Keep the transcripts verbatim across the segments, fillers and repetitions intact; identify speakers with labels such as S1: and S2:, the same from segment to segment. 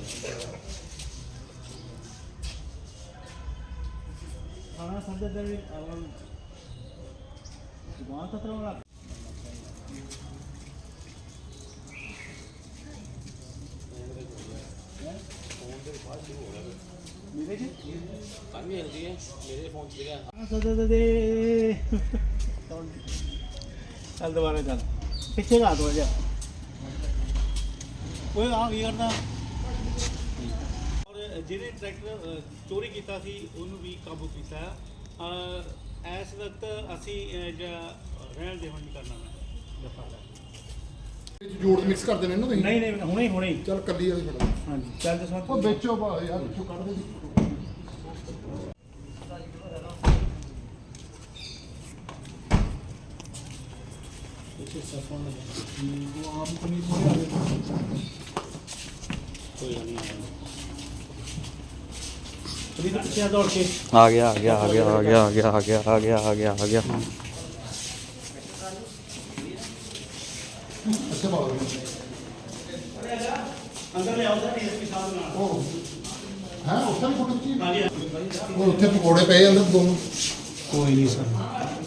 S1: खाना संदे देवी और वहाँ तक रहोगा मेरे जी काम ही होती है मेरे फोन से क्या खाना संदे दे चल दोबारा चल पिछे का दो जा कोई आ भी करना ਜਿਹਨੇ ਟਰੈਕਟਰ ਚੋਰੀ ਕੀਤਾ ਸੀ ਉਹਨੂੰ ਵੀ ਕਾਬੂ ਕੀਤਾ ਹੈ। ਇਸ ਵਕਤ ਅਸੀਂ ਜਿਹੜਾ ਰਹਿਣ ਦੇ ਹੁਣ ਨਹੀਂ ਕਰਨਾ ਮੈਂ ਦਫਾ
S2: ਜੋੜ ਮਿਕਸ ਕਰ ਦੇਣੇ ਨਾ ਤੁਸੀਂ?
S1: ਨਹੀਂ ਨਹੀਂ ਹੁਣੇ ਹੁਣੇ
S2: ਚੱਲ ਕੱਲੀ ਵਾਲੀ ਫੜਾ।
S1: ਹਾਂਜੀ ਚੱਲ ਦੱਸੋ
S2: ਉਹ ਵਿੱਚੋਂ ਭਾ ਯਾਰ ਵਿੱਚੋਂ ਕੱਢ ਦੇ। वो आम पनीर
S1: कोई नहीं दौड़ के
S3: आ गया आ गया आ गया आ गया आ गया आ गया आ गया आ गया आ गया
S2: अच्छा बाबा
S1: अंदर ले आओ सर इसके साथ में
S2: ओ हां उसका भी फोटो खींची।
S1: हां जी
S2: वो ਉੱਥੇ ਪਕੌੜੇ ਪਏ ਅੰਦਰ ਦੋਨੋਂ।
S1: कोई नहीं सर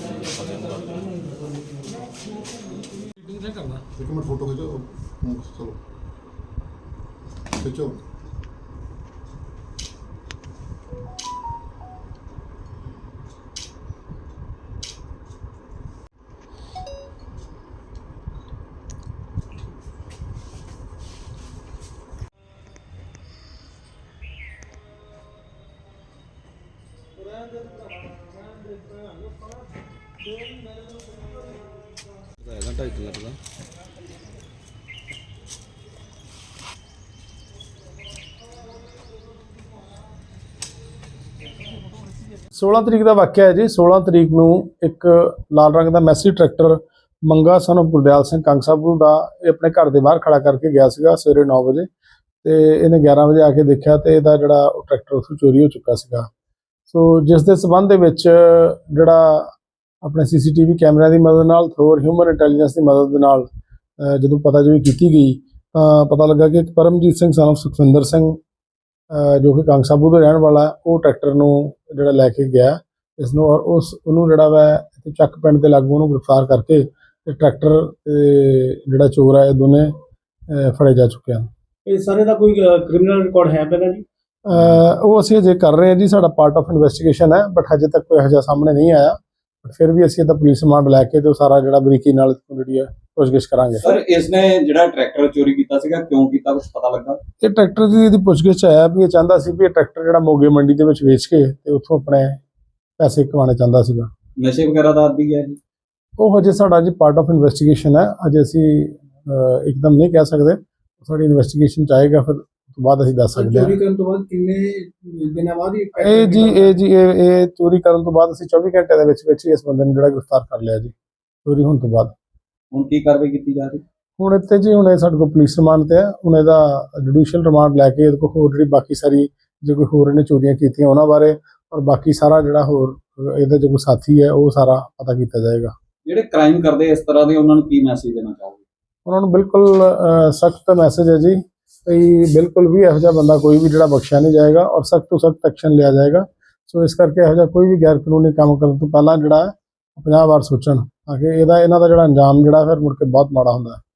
S2: ਇੱਕ ਮਿੰਟ ਫੋਟੋ ਖਿੱਚੋ। ਚਲੋ ਖਿੱਚੋ।
S3: घंटा एक लगेगा।
S4: सोलह तरीक का वाक़या है जी। सोलह तरीक नूं एक लाल रंग का मैसी ट्रैक्टर मंगा सन ऑफ गुरदयाल सिंह कंग साबू का अपने घर के बाहर खड़ा करके गया सीगा सवेरे नौ बजे तो इन्हें ग्यारह बजे आके देखा तो यदा जड़ा ट्रैक्टर उस चोरी हो चुका सीगा। सो जिस दे संबंध दे विच जड़ा अपने सी सी टी वी कैमरिਆਂ की मदद नाल थ्रू ह्यूमन इंटैलीजेंस की मदद दे नाल जदों पता जी की गई तो पता लगा कि परमजीत सिंह सन ऑफ सुखविंदर सिंह जो कि कंग साबू का रहने वाला वो ट्रैक्टर नूं जिहड़ा लैके गया इसनूं और उस उन्होंने जिहड़ा वा ਚੱਕ ਪਿੰਡ ਦੇ ਲਾਗੂ ਉਹਨੂੰ ਗ੍ਰਿਫਤਾਰ ਕਰਕੇ ਤੇ ਟਰੈਕਟਰ ਜਿਹੜਾ ਚੋਰ ਹੈ ਇਹ ਦੋਨੇ ਫੜੇ ਜਾ ਚੁੱਕੇ ਹਨ।
S1: ਇਹ ਸਾਰੇ ਦਾ ਕੋਈ ਕ੍ਰਿਮੀਨਲ ਰਿਕਾਰਡ ਹੈ ਪਹਿਲਾਂ ਜੀ?
S4: ਉਹ ਅਸੀਂ ਅਜੇ ਕਰ ਰਹੇ ਹਾਂ ਜੀ, ਸਾਡਾ ਪਾਰਟ ਆਫ ਇਨਵੈਸਟੀਗੇਸ਼ਨ ਹੈ ਬਟ ਹਜੇ ਤੱਕ ਕੋਈ ਇਹੋ ਜਿਹਾ ਸਾਹਮਣੇ ਨਹੀਂ ਆਇਆ। ਬਟ ਫਿਰ ਵੀ ਅਸੀਂ ਇਹਦਾ ਪੁਲਿਸ ਰਿਮਾਂਡ ਲੈ ਕੇ ਤੇ ਉਹ ਸਾਰਾ ਜਿਹੜਾ ਬਰੀਕੀ ਨਾਲ ਜਿਹੜੀ ਹੈ ਪੁੱਛਗਿੱਛ ਕਰਾਂਗੇ।
S5: ਸਰ ਇਸਨੇ ਜਿਹੜਾ ਟਰੈਕਟਰ ਚੋਰੀ ਕੀਤਾ ਸੀਗਾ ਕਿਉਂ ਕੀਤਾ ਕੁਝ ਪਤਾ ਲੱਗਾ?
S4: ਇਹ ਟਰੈਕਟਰ ਦੀ ਇਹਦੀ ਪੁੱਛਗਿੱਛ ਆਇਆ ਵੀ ਇਹ ਚਾਹੁੰਦਾ ਸੀ ਵੀ ਇਹ ਟਰੈਕਟਰ ਜਿਹੜਾ ਮੋਗੇ ਮੰਡੀ ਦੇ ਵਿੱਚ ਵੇਚ ਕੇ ਤੇ ਉੱਥੋਂ ਆਪਣੇ ਪੈਸੇ ਕਮਾਉਣੇ ਚਾਹੁੰਦਾ ਸੀਗਾ।
S5: ਨਸ਼ੇ ਵਗੈਰਾ ਦਾ ਆਦੀ ਹੈ ਜੀ?
S4: ਉਹ ਹਜੇ ਸਾਡਾ ਜੀ ਪਾਰਟ ਆਫ ਇਨਵੈਸਟੀਗੇਸ਼ਨ ਹੈ, ਅਜੇ ਅਸੀਂ ਇੱਕਦਮ ਨਹੀਂ ਕਹਿ ਸਕਦੇ। ਸਾਡੀ ਇਨਵੈਸਟੀਗੇਸ਼ਨ ਚ ਆਏਗਾ ਫਿਰ ਤੋਂ ਬਾਅਦ ਅਸੀਂ ਦੱਸ ਸਕਦੇ ਹਾਂ।
S1: ਚੋਰੀ ਕਰਨ ਤੋਂ ਬਾਅਦ ਕਿੰਨੇ ਦਿਨਾਂ ਬਾਅਦ
S4: ਇਹ ਜੀ ਇਹ ਜੀ ਇਹ ਇਹ ਚੋਰੀ ਕਰਨ ਤੋਂ ਬਾਅਦ ਅਸੀਂ ਚੌਵੀ ਘੰਟੇ ਦੇ ਵਿੱਚ ਵਿੱਚ ਹੀ ਇਸ ਬੰਦੇ ਨੂੰ ਜਿਹੜਾ ਗ੍ਰਿਫਤਾਰ ਕਰ ਲਿਆ ਜੀ ਚੋਰੀ ਹੋਣ ਤੋਂ ਬਾਅਦ।
S5: ਹੁਣ ਕੀ ਕਾਰਵਾਈ ਕੀਤੀ ਜਾ ਰਹੀ?
S4: ਹੁਣ ਇੱਥੇ ਜੀ ਹੁਣ ਇਹ ਸਾਡੇ ਕੋਲ ਪੁਲਿਸ ਰਿਮਾਂਡ ਤੇ ਹੈ, ਹੁਣ ਇਹਦਾ ਜੁਡੀਸ਼ੀਅਲ ਰਿਮਾਂਡ ਲੈ ਕੇ ਇਹਦੇ ਕੋਲ ਹੋਰ ਜਿਹੜੀ ਬਾਕੀ ਸਾਰੀ ਜੇ ਕੋਈ ਹੋਰ ਇਹਨੇ ਚੋਰੀਆਂ ਕੀਤੀਆਂ ਉਹਨਾਂ ਬਾਰੇ ਔਰ ਬਾਕੀ ਸਾਰਾ ਜਿਹੜਾ ਹੋਰ ਇਹਦਾ ਜੋ ਕੋਈ ਸਾਥੀ ਹੈ ਉਹ ਸਾਰਾ ਪਤਾ ਕੀਤਾ ਜਾਏਗਾ।
S5: ਜਿਹੜੇ ਕ੍ਰਾਈਮ ਕਰਦੇ ਇਸ ਤਰ੍ਹਾਂ ਦੇ ਉਹਨਾਂ ਨੂੰ ਕੀ ਮੈਸੇਜ ਦੇਣਾ ਚਾਹੋਗੇ?
S4: ਉਹਨਾਂ ਨੂੰ ਬਿਲਕੁਲ ਸਖਤ ਮੈਸੇਜ ਹੈ ਜੀ ਕਿ ਬਿਲਕੁਲ ਵੀ ਇਹੋ ਜਿਹਾ ਬੰਦਾ ਕੋਈ ਵੀ ਜਿਹੜਾ ਬਖਸ਼ਿਆ ਨਹੀਂ ਜਾਏਗਾ ਔਰ ਸਖਤ ਤੋਂ ਸਖਤ ਐਕਸ਼ਨ ਲਿਆ ਜਾਏਗਾ। ਸੋ ਇਸ ਕਰਕੇ ਇਹੋ ਜਿਹਾ ਕੋਈ ਵੀ ਗੈਰ ਕਾਨੂੰਨੀ ਕੰਮ ਕਰਨ ਤੋਂ ਪਹਿਲਾਂ ਜਿਹੜਾ ਪੰਜਾਹ ਵਾਰ ਸੋਚਣ ਤਾਂ ਕਿ ਇਹਦਾ ਇਹਨਾਂ ਦਾ ਜਿਹੜਾ ਅੰਜਾਮ ਜਿਹੜਾ ਫਿਰ ਮੁੜ ਕੇ ਬਹੁਤ ਮਾੜਾ ਹੁੰਦਾ ਹੈ।